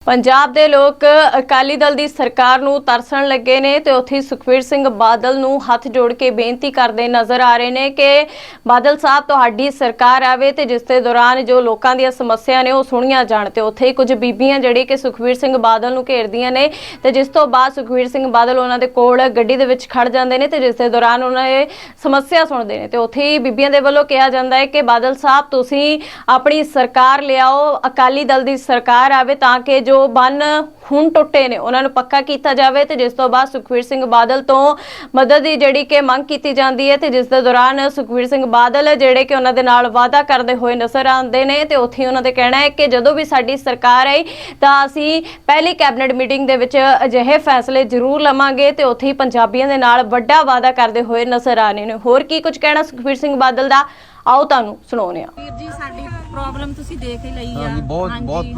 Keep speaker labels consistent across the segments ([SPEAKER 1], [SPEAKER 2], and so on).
[SPEAKER 1] ਪੰਜਾਬ ਦੇ ਲੋਕ ਅਕਾਲੀ ਦਲ ਦੀ ਸਰਕਾਰ ਨੂੰ ਤਰਸਣ ਲੱਗੇ ਨੇ ਤੇ ਉੱਥੇ ਸੁਖਬੀਰ ਸਿੰਘ ਬਾਦਲ ਨੂੰ ਹੱਥ ਜੋੜ ਕੇ ਬੇਨਤੀ ਕਰਦੇ ਨਜ਼ਰ ਆ ਰਹੇ ਨੇ ਕਿ ਬਾਦਲ ਸਾਹਿਬ ਤੁਹਾਡੀ ਸਰਕਾਰ ਆਵੇ ਤੇ ਜਿਸ ਦੇ ਦੌਰਾਨ ਜੋ ਲੋਕਾਂ ਦੀਆਂ ਸਮੱਸਿਆ ਨੇ ਉਹ ਸੁਣੀਆਂ ਜਾਣ। ਤੇ ਉੱਥੇ ਕੁਝ ਬੀਬੀਆਂ ਜਿਹੜੀ ਕਿ ਸੁਖਬੀਰ ਸਿੰਘ ਬਾਦਲ ਨੂੰ ਘੇਰਦੀਆਂ ਨੇ ਤੇ ਜਿਸ ਤੋਂ ਬਾਅਦ ਸੁਖਬੀਰ ਸਿੰਘ ਬਾਦਲ ਉਹਨਾਂ ਦੇ ਕੋਲ ਗੱਡੀ ਦੇ ਵਿੱਚ ਖੜ ਜਾਂਦੇ ਨੇ ਤੇ ਜਿਸ ਦੇ ਦੌਰਾਨ ਉਹਨਾਂ ਇਹ ਸਮੱਸਿਆ ਸੁਣਦੇ ਨੇ। ਤੇ ਉੱਥੇ ਬੀਬੀਆਂ ਦੇ ਵੱਲੋਂ ਕਿਹਾ ਜਾਂਦਾ ਹੈ ਕਿ ਬਾਦਲ ਸਾਹਿਬ ਤੁਸੀਂ ਆਪਣੀ ਸਰਕਾਰ ਲਿਆਓ, ਅਕਾਲੀ ਦਲ ਦੀ ਸਰਕਾਰ ਆਵੇ ਤਾਂ ਕਿ ਜੋ ਬੰਨ ਹੁਣ ਟੁੱਟੇ ਨੇ ਉਹਨਾਂ ਨੂੰ ਪੱਕਾ ਕੀਤਾ ਜਾਵੇ। ਤੇ ਜਿਸ ਤੋਂ ਬਾਅਦ ਸੁਖਬੀਰ ਸਿੰਘ ਬਾਦਲ ਤੋਂ ਮਦਦ ਦੀ ਜਿਹੜੀ ਕਿ ਮੰਗ ਕੀਤੀ ਜਾਂਦੀ ਹੈ ਤੇ ਜਿਸ ਦੇ ਦੌਰਾਨ ਸੁਖਬੀਰ ਸਿੰਘ ਬਾਦਲ ਜਿਹੜੇ ਕਿ ਉਹਨਾਂ ਦੇ ਨਾਲ ਵਾਅਦਾ ਕਰਦੇ ਹੋਏ ਨਜ਼ਰ ਆਉਂਦੇ ਨੇ। ਤੇ ਉੱਥੇ ਉਹਨਾਂ ਦੇ ਕਹਿਣਾ ਹੈ ਕਿ ਜਦੋਂ ਵੀ ਸਾਡੀ ਸਰਕਾਰ ਆਈ ਤਾਂ ਅਸੀਂ ਪਹਿਲੀ ਕੈਬਨਿਟ ਮੀਟਿੰਗ ਦੇ ਵਿੱਚ ਅਜਿਹੇ ਫੈਸਲੇ ਜ਼ਰੂਰ ਲਵਾਂਗੇ ਤੇ ਉੱਥੇ ਪੰਜਾਬੀਆਂ ਦੇ ਨਾਲ ਵੱਡਾ ਵਾਅਦਾ ਕਰਦੇ ਹੋਏ ਨਜ਼ਰ ਆਣੇ ਨੇ। ਹੋਰ ਕੀ ਕੁਝ ਕਹਿਣਾ ਸੁਖਬੀਰ ਸਿੰਘ ਬਾਦਲ ਦਾ, ਆਓ ਤੁਹਾਨੂੰ ਸੁਣਾਉਂਦੇ ਹਾਂ।
[SPEAKER 2] ਵੀਰ ਜੀ ਸਾਡੀ ਪ੍ਰੋਬਲਮ ਤੁਸੀਂ ਦੇਖ ਹੀ ਲਈ ਆ।
[SPEAKER 3] ਬਹੁਤ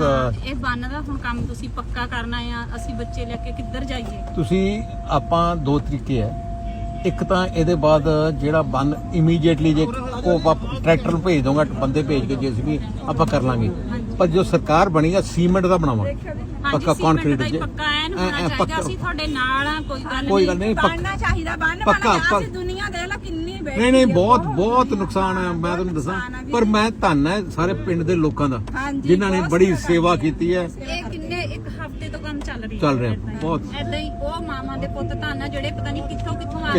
[SPEAKER 2] ਇਹ ਬੰਨ ਦਾ ਹੁਣ ਕੰਮ ਤੁਸੀਂ ਪੱਕਾ ਕਰਨਾ ਆ। ਅਸੀਂ ਬੱਚੇ ਲੈ ਕੇ ਕਿੱਧਰ ਜਾਈਏ?
[SPEAKER 3] ਤੁਸੀਂ ਆਪਾਂ ਦੋ ਤਰੀਕੇ ਹੈ। ਇੱਕ ਤਾਂ ਇਹਦੇ ਬਾਅਦ ਜਿਹੜਾ ਬੰਨ ਇਮੀਡੀਏਟਲੀ ਜੇ ਉਹ ਟਰੈਕਟਰ ਨੂੰ ਭੇਜ ਦੋਗਾ, ਬੰਦੇ ਭੇਜ ਕੇ ਜੀਸੀਬੀ ਆਪਾਂ ਕਰ ਲਾਂਗੇ। ਪਰ ਜੋ ਸਰਕਾਰ ਬਣੀ ਆ ਸੀਮੈਂਟ ਦਾ ਬਣਾਵਾਂਗੇ, ਪੱਕਾ ਕੰਕਰੀਟ ਜੇ
[SPEAKER 2] ਪੱਕਾ। ਅਸੀਂ ਤੁਹਾਡੇ ਨਾਲ ਆ,
[SPEAKER 3] ਕੋਈ ਗੱਲ ਨਹੀਂ,
[SPEAKER 2] ਬਣਨਾ ਚਾਹੀਦਾ ਬੰਨ।
[SPEAKER 3] ਪੱਕਾ
[SPEAKER 2] ਦੁਨੀਆ ਦੇ ਲਾ ਕਿੰਨੀ
[SPEAKER 3] ਨਹੀਂ ਬਹੁਤ ਨੁਕਸਾਨ ਹੈ। ਮੈਂ ਤੁਹਾਨੂੰ ਦੱਸਾਂ, ਪਰ ਮੈਂ ਧੰਨ ਹੈ ਸਾਰੇ ਪਿੰਡ ਦੇ ਲੋਕਾਂ ਦਾ ਜਿਨ੍ਹਾਂ ਨੇ ਬੜੀ ਸੇਵਾ ਕੀਤੀ ਹੈ।
[SPEAKER 2] ਇਹ ਕਿੰਨੇ ਇੱਕ ਹਫ਼ਤੇ ਤੋਂ ਕੰਮ ਚੱਲ
[SPEAKER 3] ਰਿਹਾ ਬਹੁਤ।
[SPEAKER 2] ਏਦਾਂ ਹੀ ਉਹ ਮਾਮਾ ਦੇ ਪੁੱਤ ਧੰਨ ਆ ਜਿਹੜੇ ਪਤਾ ਨਹੀਂ ਕਿੱਥੋਂ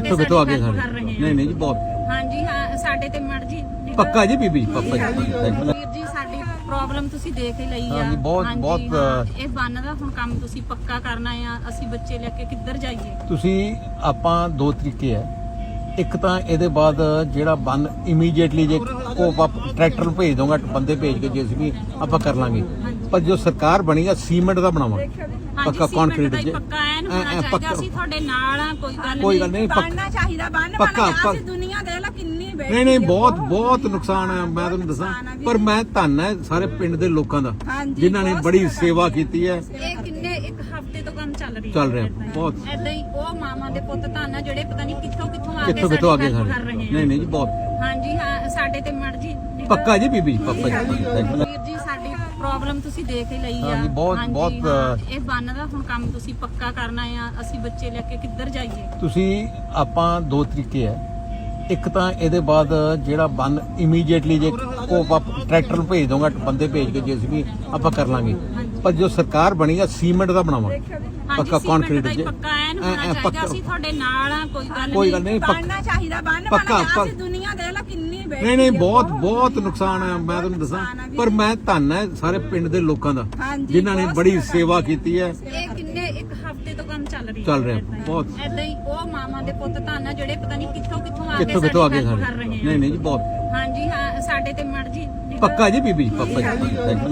[SPEAKER 3] ਆ ਕੇ ਕਰ ਰਹੇ ਨੇ। ਨਹੀਂ ਜੀ ਬਹੁਤ।
[SPEAKER 2] ਹਾਂਜੀ ਹਾਂ, ਸਾਡੇ ਤੇ ਮਰਜੀ
[SPEAKER 3] ਪੱਕਾ ਜੀ ਬੀਬੀ, ਪੱਕਾ ਜੀ।
[SPEAKER 2] ਵੀਰ ਜੀ ਸਾਡੀ ਪ੍ਰੋਬਲਮ ਤੁਸੀਂ ਦੇਖ ਹੀ ਲਈ ਆ।
[SPEAKER 3] ਬਹੁਤ
[SPEAKER 2] ਇਹ ਬੰਨ ਦਾ ਹੁਣ ਕੰਮ ਤੁਸੀਂ ਪੱਕਾ ਕਰਨਾ ਆ। ਅਸੀਂ ਬੱਚੇ ਲੈ ਕੇ ਕਿੱਧਰ ਜਾਈਏ?
[SPEAKER 3] ਤੁਸੀਂ ਆਪਾਂ ਦੋ ਤਰੀਕੇ ਹੈ। ਇੱਕ ਤਾਂ ਇਹਦੇ ਬਾਅਦ ਜਿਹੜਾ ਬੰਨ ਇਮੀਡੀਏਟਲੀ ਜੇ ਉਹ ਟਰੈਕਟਰ ਨੂੰ ਭੇਜ ਦੋਗਾ, ਬੰਦੇ ਭੇਜ ਕੇ ਜੀਸੀਬੀ ਆਪਾਂ ਕਰ ਲਾਂਗੇ। ਪਰ ਜੋ ਸਰਕਾਰ ਬਣੀ ਆ ਸੀਮੈਂਟ ਦਾ ਬਣਾਵਾਂਗੇ, ਪੱਕਾ ਕੰਕਰੀਟ ਜੇ
[SPEAKER 2] ਪੱਕਾ। ਅਸੀਂ ਤੁਹਾਡੇ ਨਾਲ ਆ,
[SPEAKER 3] ਕੋਈ ਗੱਲ ਨਹੀਂ,
[SPEAKER 2] ਬਣਨਾ ਚਾਹੀਦਾ ਬੰਨ।
[SPEAKER 3] ਪੱਕਾ।
[SPEAKER 2] ਦੁਨੀਆ ਦੇ ਲਾ ਕਿੰਨੀ
[SPEAKER 3] ਨਹੀਂ ਬਹੁਤ ਨੁਕਸਾਨ ਹੈ। ਮੈਂ ਤੁਹਾਨੂੰ ਦੱਸਾਂ, ਪਰ ਮੈਂ ਧੰਨ ਹੈ ਸਾਰੇ ਪਿੰਡ ਦੇ ਲੋਕਾਂ ਦਾ ਜਿਨ੍ਹਾਂ ਨੇ ਬੜੀ ਸੇਵਾ ਕੀਤੀ ਹੈ।
[SPEAKER 2] ਇਹ ਕਿੰਨੇ ਇੱਕ ਹਫ਼ਤੇ ਤੋਂ ਕੰਮ ਚੱਲ
[SPEAKER 3] ਰਿਹਾ ਬਹੁਤ।
[SPEAKER 2] ਏਦਾਂ ਹੀ ਉਹ ਮਾਮਾ ਦੇ ਪੁੱਤ ਧੰਨ ਆ ਜਿਹੜੇ ਪਤਾ ਨਹੀਂ ਕਿੱਥੋਂ
[SPEAKER 3] ਆ ਕੇ ਕਰ ਰਹੇ ਨੇ। ਨਹੀਂ ਜੀ ਬਹੁਤ।
[SPEAKER 2] ਹਾਂਜੀ ਹਾਂ, ਸਾਡੇ ਤੇ ਮਰਜੀ
[SPEAKER 3] ਪੱਕਾ ਜੀ ਬੀਬੀ, ਪੱਕਾ ਜੀ।
[SPEAKER 2] ਵੀਰ ਜੀ ਸਾਡੀ ਪ੍ਰੋਬਲਮ ਤੁਸੀਂ ਦੇਖ ਹੀ ਲਈ ਆ।
[SPEAKER 3] ਬਹੁਤ
[SPEAKER 2] ਇਹ ਬੰਨ ਦਾ ਹੁਣ ਕੰਮ ਤੁਸੀਂ ਪੱਕਾ ਕਰਨਾ ਆ। ਅਸੀਂ ਬੱਚੇ ਲੈ ਕੇ ਕਿੱਧਰ ਜਾਈਏ?
[SPEAKER 3] ਤੁਸੀਂ ਆਪਾਂ ਦੋ ਤਰੀਕੇ ਹੈ। ਇੱਕ ਤਾਂ ਇਹਦੇ ਬਾਅਦ ਜਿਹੜਾ ਬੰਨ ਇਮੀਡੀਏਟਲੀ ਜੇ ਉਹ ਟਰੈਕਟਰ ਨੂੰ ਭੇਜ ਦੋਗਾ, ਬੰਦੇ ਭੇਜ ਕੇ ਜੀਸੀਬੀ ਆਪਾਂ ਕਰ ਲਾਂਗੇ। ਪਰ ਜੋ ਸਰਕਾਰ ਬਣੀ ਆ ਸੀਮੈਂਟ ਦਾ ਬਣਾਵਾਂਗੇ, ਪੱਕਾ ਕੰਕਰੀਟ ਜੇ
[SPEAKER 2] ਪੱਕਾ। ਅਸੀਂ ਤੁਹਾਡੇ ਨਾਲ ਆ,
[SPEAKER 3] ਕੋਈ ਗੱਲ ਨਹੀਂ,
[SPEAKER 2] ਬਣਨਾ ਚਾਹੀਦਾ ਬੰਨ।
[SPEAKER 3] ਪੱਕਾ।
[SPEAKER 2] ਦੁਨੀਆ ਦੇ ਲਾ ਕਿੰਨੀ
[SPEAKER 3] ਨਹੀਂ ਬਹੁਤ ਨੁਕਸਾਨ ਹੈ। ਮੈਂ ਤੁਹਾਨੂੰ ਦੱਸਾਂ, ਪਰ ਮੈਂ ਧੰਨ ਹੈ ਸਾਰੇ ਪਿੰਡ ਦੇ ਲੋਕਾਂ ਦਾ ਜਿਨ੍ਹਾਂ ਨੇ ਬੜੀ ਸੇਵਾ ਕੀਤੀ ਹੈ।
[SPEAKER 2] ਇਹ ਕਿੰਨੇ ਇੱਕ ਹਫ਼ਤੇ ਤੋਂ ਕੰਮ ਚੱਲ
[SPEAKER 3] ਰਿਹਾ ਬਹੁਤ।
[SPEAKER 2] ਏਦਾਂ ਹੀ ਉਹ ਮਾਮਾ ਦੇ ਪੁੱਤ ਧੰਨ ਆ ਜਿਹੜੇ ਪਤਾ ਨਹੀਂ ਕਿੱਥੋਂ
[SPEAKER 3] ਆ ਕੇ ਕਰ ਰਹੇ ਨੇ। ਨਹੀਂ ਜੀ ਬਹੁਤ।
[SPEAKER 2] ਹਾਂਜੀ ਹਾਂ, ਸਾਡੇ ਤੇ ਮਰਜੀ
[SPEAKER 3] ਪੱਕਾ ਜੀ ਬੀਬੀ, ਪੱਕਾ ਜੀ।